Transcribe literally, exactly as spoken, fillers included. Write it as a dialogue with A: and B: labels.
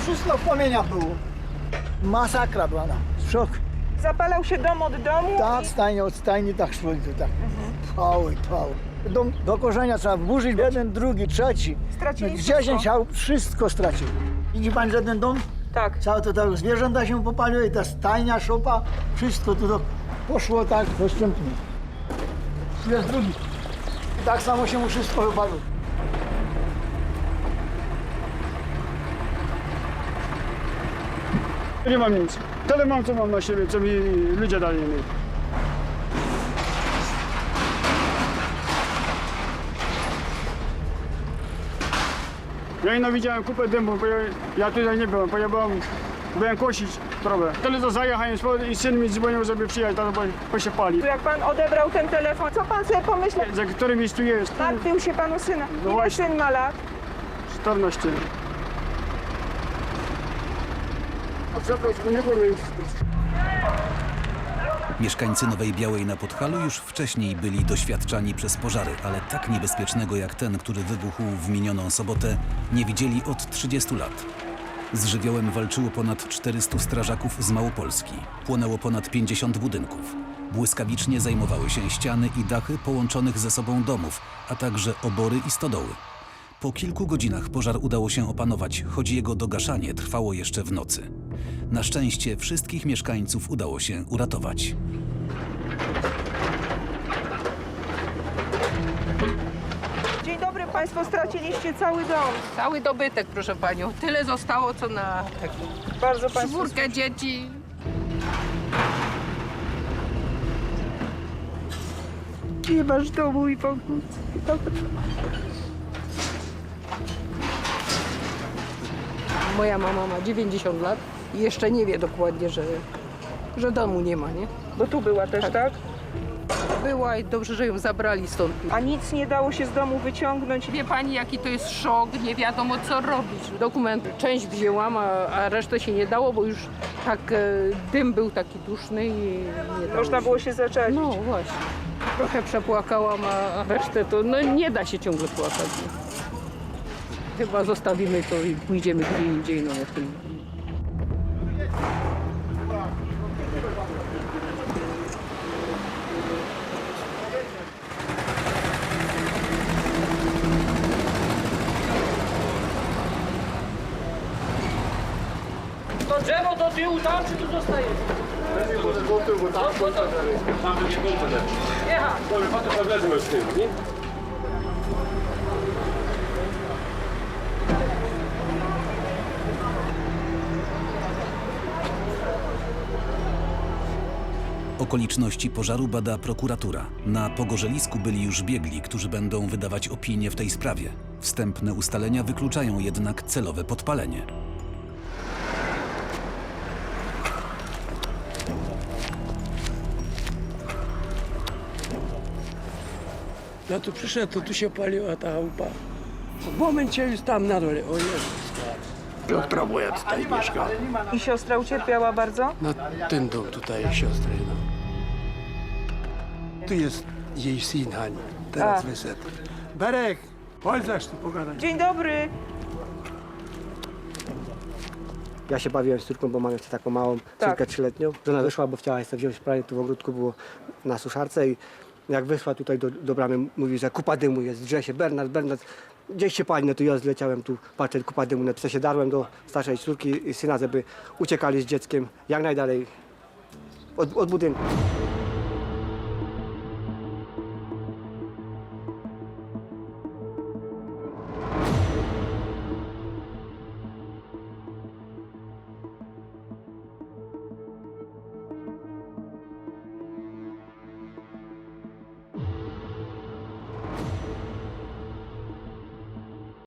A: wszystko w płomieniach było. Masakra była, no. Szok.
B: Zapalał się dom od domu?
A: Tak, stajnie od stajni, tak szło i to tak. Trwało i trwało. Dom do korzenia trzeba wburzyć, jeden, drugi, trzeci.
B: Straciliście
A: Dziesięć
B: wszystko?
A: aut, wszystko stracił. Widzi pan, że ten dom?
B: Tak.
A: Całe to tak, zwierzęta się popaliły i ta stajnia, szopa, wszystko tu to poszło tak postępnie. Tu jest drugi. I tak samo się mu wszystko wypaliło.
C: Nie mam nic. Tyle mam, co mam na siebie, co mi ludzie dali mi. Ja ino widziałem kupę dymu, bo ja, ja tutaj nie byłem, bo ja byłem, byłem kosić trawę. Tyle to zajechałem i syn mi dzwonił, żeby przyjechać, bo, bo się pali.
B: Tu jak pan odebrał ten telefon, co pan sobie pomyślał?
C: Za którym miejscu jest?
B: Martwił się panu syna.
C: No
B: Ile
C: właśnie.
B: syn ma lat?
C: czternaście. A przepraszam, nie powiem.
D: Mieszkańcy Nowej Białej na Podhalu już wcześniej byli doświadczani przez pożary, ale tak niebezpiecznego jak ten, który wybuchł w minioną sobotę, nie widzieli od trzydziestu lat. Z żywiołem walczyło ponad czterystu strażaków z Małopolski. Płonęło ponad pięćdziesiąt budynków. Błyskawicznie zajmowały się ściany i dachy połączonych ze sobą domów, a także obory i stodoły. Po kilku godzinach pożar udało się opanować, choć jego dogaszanie trwało jeszcze w nocy. Na szczęście wszystkich mieszkańców udało się uratować.
B: Dzień dobry, państwo straciliście cały dom.
E: Cały dobytek, proszę panią. Tyle zostało, co na
B: Bardzo państwu...
E: czwórkę dzieci.
B: Nie masz domu i pomóc.
E: Moja mama ma dziewięćdziesiąt lat i jeszcze nie wie dokładnie, że, że domu nie ma, nie?
B: Bo tu była też, tak.
E: Tak. Była i dobrze, że ją zabrali stąd.
B: A nic nie dało się z domu wyciągnąć?
E: Wie pani, jaki to jest szok, nie wiadomo co robić. Dokument część wzięłam, a, a resztę się nie dało, bo już tak e, dym był taki duszny i nie dało
B: Można było się zaczepić.
E: No właśnie. Trochę przepłakałam, a, a resztę to no, nie da się ciągle płakać. Nie? Chyba zostawimy to i pójdziemy gdzie indziej, no jak to...
F: To drzewo do tyłu tam, czy tu zostaje? Jechać.
D: Okoliczności pożaru bada prokuratura. Na pogorzelisku byli już biegli, którzy będą wydawać opinie w tej sprawie. Wstępne ustalenia wykluczają jednak celowe podpalenie.
F: Ja tu przyszedł, to tu się paliła ta chałupa. W momencie już tam na dole, o Jezus. Piotra moja tutaj mieszka.
B: I siostra ucierpiała bardzo?
F: Na ten dom tutaj siostry, no. Tu jest jej syn Hani, teraz
B: A.
F: wyszedł. Berek, chodź zaś tu pogadać.
B: Dzień dobry.
G: Ja się bawiłem z córką, bo mam jeszcze taką małą
B: Tak.
G: córkę trzyletnią. Żona wyszła, bo chciała jeszcze wziąć pranie, tu w ogródku było na suszarce i jak wyszła tutaj do, do bramy, mówi, że kupa dymu jest, drze się, Bernard, Bernard, gdzieś się pali, no to ja zleciałem tu, patrzę, kupa dymu, no to się darłem do starszej córki i syna, żeby uciekali z dzieckiem jak najdalej od, od budynku.